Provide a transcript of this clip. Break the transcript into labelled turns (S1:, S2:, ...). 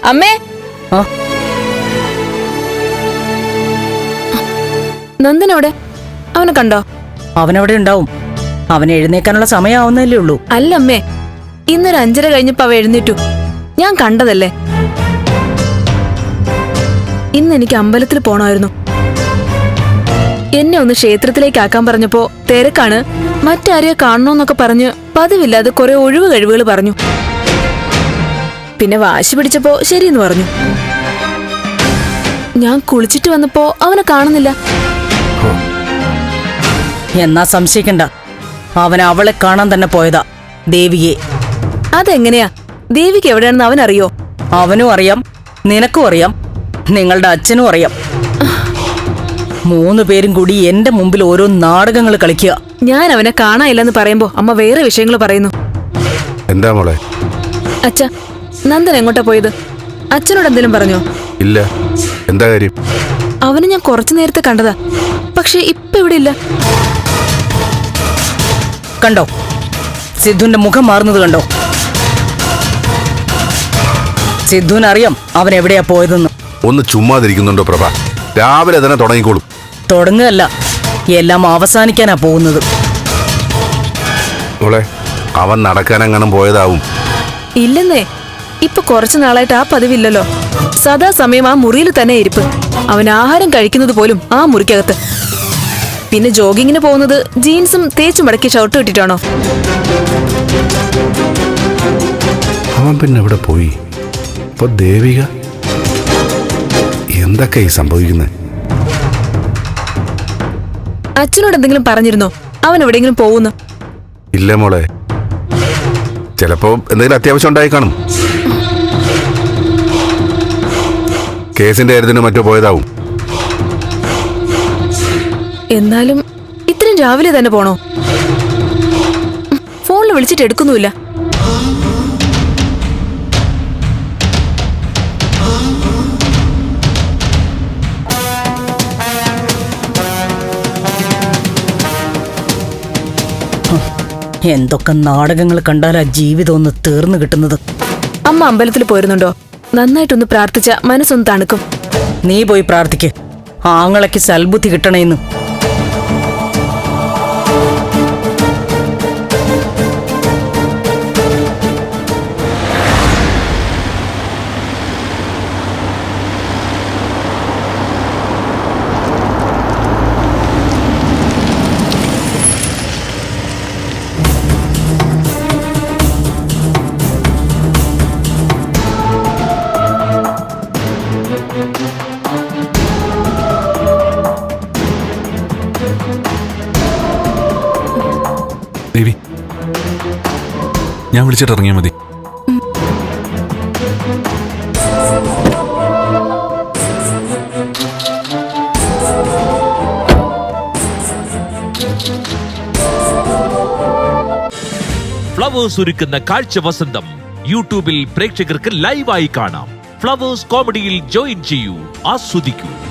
S1: അമ്മേ, നന്ദനവിടെ? അവനെ കണ്ടോ?
S2: അവനവിടെ ഉണ്ടാവും. അവൻ എഴുന്നേക്കാനുള്ള സമയമാവുന്നല്ലേ ഉള്ളൂ.
S1: അല്ല അമ്മേ, ഇന്നൊരു 5:30 കഴിഞ്ഞപ്പോ അവ എഴുന്നേറ്റു. ഞാൻ കണ്ടതല്ലേ. ഇന്ന് എനിക്ക് അമ്പലത്തിൽ പോണമായിരുന്നു. എന്നെ ഒന്ന് ക്ഷേത്രത്തിലേക്ക് ആക്കാൻ പറഞ്ഞപ്പോ തിരക്കാണ്, മറ്റാരെയോ കാണണോന്നൊക്കെ പറഞ്ഞ് പതിവില്ലാതെ കുറെ ഒഴിവ് കഴിവുകൾ പറഞ്ഞു. പിന്നെ വാശി പിടിച്ചപ്പോ ശരിയെന്ന് പറഞ്ഞു. ഞാൻ കുളിച്ചിട്ട് വന്നപ്പോ അവനെ കാണുന്നില്ല.
S2: എന്നാ സംശയിക്കണ്ട, അവൻ അവളെ കാണാൻ തന്നെ പോയതാ, ദേവിയെ.
S1: അതെങ്ങനെയാ? ദേവിക്ക് എവിടെയാണെന്ന് അവനറിയോ?
S2: അവനും അറിയാം, നിനക്കും അറിയാം, നിങ്ങളുടെ അച്ഛനും അറിയാം. 3 പേരും കൂടി എന്റെ മുമ്പിൽ ഓരോ നാടകങ്ങൾ കളിക്കുക.
S1: ഞാൻ അവനെ കാണാനില്ലെന്ന് പറയുമ്പോ അമ്മ വേറെ വിഷയങ്ങൾ പറയുന്നു.
S3: എന്താ മോളെ?
S1: അച്ഛ, നന്ദൻ എങ്ങോട്ടാ പോയത്? അച്ഛനോട് എന്തെങ്കിലും പറഞ്ഞോ?
S3: ഇല്ല. എന്താ കാര്യം?
S1: അവന് ഞാൻ കുറച്ചു നേരത്തെ കണ്ടതാ, പക്ഷെ ഇപ്പൊ ഇവിടെ ഇല്ല.
S2: കണ്ടോ, സിദ്ധുവിന്റെ മുഖം മാറുന്നത് കണ്ടോ? സിദ്ധുവിനറിയാം അവൻ എവിടെയാ പോയതെന്ന്.
S3: ഒന്ന് ചുമ്മാതിരിക്കുന്നുണ്ടോ പ്രഭ? രാവിലെ തന്നെ തുടങ്ങിക്കോളും.
S2: തുടങ്ങുകയല്ല, എല്ലാം അവസാനിക്കാനാ പോകുന്നത്.
S3: മോളെ, അവൻ നടക്കാനെങ്ങാനും പോയതാവും.
S1: ഇല്ലെന്നേ, ഇപ്പൊ കുറച്ചു നാളായിട്ട് ആ പതിവില്ലല്ലോ. സദാസമയം ആ മുറിയിൽ തന്നെ ഇരിപ്പ്. അവൻ ആഹാരം കഴിക്കുന്നത് പോലും ആ മുറിക്കകത്ത്. പിന്നെ ജോഗിങ്ങിന് പോകുന്നത് ജീൻസും തേച്ചു മടക്കി ഷർട്ടും ഇട്ടിട്ടാണോ?
S3: അവൻ പിന്നെ എവിടെ പോയി? ഇപ്പൊ ദേവിക എന്തൊക്കെ ഈ സംഭവിക്കുന്നത്?
S1: അച്ഛനോട് എന്തെങ്കിലും പറഞ്ഞിരുന്നോ അവൻ എവിടെയെങ്കിലും പോകുന്നു?
S3: ഇല്ല മോളെ, ചിലപ്പോ എന്തെങ്കിലും അത്യാവശ്യം ഉണ്ടായി കാണും. കേസിന്റെ കാര്യത്തിന് മറ്റോ പോയതാവും.
S1: എന്നാലും ഇത്രയും രാവിലെ തന്നെ പോണോ? ഫോണിൽ വിളിച്ചിട്ട് എടുക്കുന്നുമില്ല.
S2: എന്തൊക്കെ നാടകങ്ങൾ കണ്ടാലാ ജീവിതം ഒന്ന് തീർന്നു കിട്ടുന്നത്.
S1: അമ്മ അമ്പലത്തിൽ പോയിരുന്നുണ്ടോ? നന്നായിട്ടൊന്ന് പ്രാർത്ഥിച്ച മനസ്സൊന്ന് തണുക്കും.
S2: നീ പോയി പ്രാർത്ഥിക്ക്, ആങ്ങളയ്ക്ക് സൽബുദ്ധി കിട്ടണേന്ന്.
S4: ദേവി, ഞാൻ വിളിച്ചിട്ട് ഇറങ്ങിയാൽ മതി.
S5: ഫ്ലവേഴ്സ് ഒരുക്കുന്ന കാഴ്ച വസന്തം യൂട്യൂബിൽ പ്രേക്ഷകർക്ക് ലൈവായി കാണാം. ഫ്ലവേഴ്സ് കോമഡിയിൽ ജോയിൻ ചെയ്യൂ, ആസ്വദിക്കൂ.